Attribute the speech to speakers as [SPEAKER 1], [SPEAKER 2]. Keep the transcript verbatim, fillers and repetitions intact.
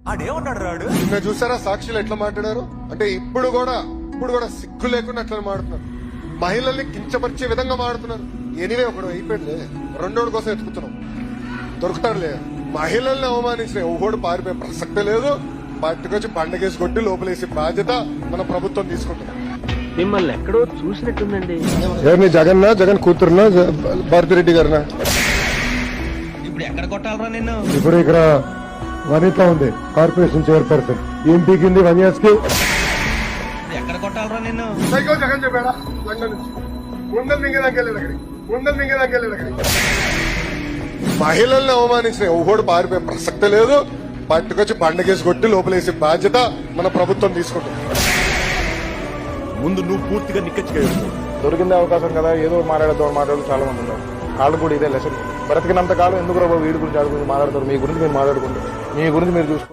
[SPEAKER 1] ఆడేమన్నాడు రాడు
[SPEAKER 2] నిన్న చూసారా సాక్షులు ఎట్లా మాట్లాడారు? అంటే ఇప్పుడు కూడా ఇప్పుడు కూడా సిగ్గు లేకుండా అట్లా మాడుతున్నారు. మహిళల్ని కించపరిచే విధంగా మాడుతున్నారు. ఎనివే ఒకడు అయిపోయింది, రెండోడి కోసం ఎత్తుకుతున్నాం, దొరుకుతారులే. మహిళల్ని అవమానించిన ఎవడు పారిపోయే ప్రసక్తే లేదు. పట్టుకొచ్చి పండగేసి కొట్టి లోపలేసే బాధ్యత మన ప్రభుత్వం తీసుకుంటుంది.
[SPEAKER 3] మిమ్మల్ని ఎక్కడో చూసినట్టుందండి.
[SPEAKER 2] ఎవరిని? జగన్నా, జగన్ కూతురునా, భారతిరెడ్డి గారినా?
[SPEAKER 1] ఇప్పుడు ఎక్కడ కొట్టాలరా నిన్ను?
[SPEAKER 4] ఇప్పుడు ఇక్కడ వనిత ఉంది, కార్పొరేషన్ చైర్పర్సన్. ఏం పీకింది వన్యాస్ కి?
[SPEAKER 1] ఎక్కడ కొట్టాలరా నిన్ను?
[SPEAKER 2] సైకో జగన్ చెప్పాడా? లండన్ నుంచి ఉండలు మింగేదానికి వెళ్ళాడు అక్కడికి, ఉండలు మింగేదానికి వెళ్ళాడు అక్కడికి. మహిళల్ని అవమానించిన ఎవడు పారిపోయే ప్రసక్తే లేదు. పట్టుకొచ్చి పండగేసి కొట్టి లోపలేసే బాధ్యత మన ప్రభుత్వం తీసుకుంటుంది.
[SPEAKER 5] ముందు నువ్వు పూర్తిగా నిక్కచ్చిగా
[SPEAKER 6] దొరికిందే అవకాశం కదా, ఏదో మాట్లాడదాం మాట్లాడుతూ చాలా మంది ఉన్నారు. వాళ్ళు కూడా ఇదే లెసన్. బ్రతికినంత కాలం ఎందుకు రాబో వీడి గురించి ఆడు గురించి మాట్లాడతారు. మీ గురించి మీరు మాట్లాడుకుంటారు, మీ గురించి మీరు చూసుకుంటారు.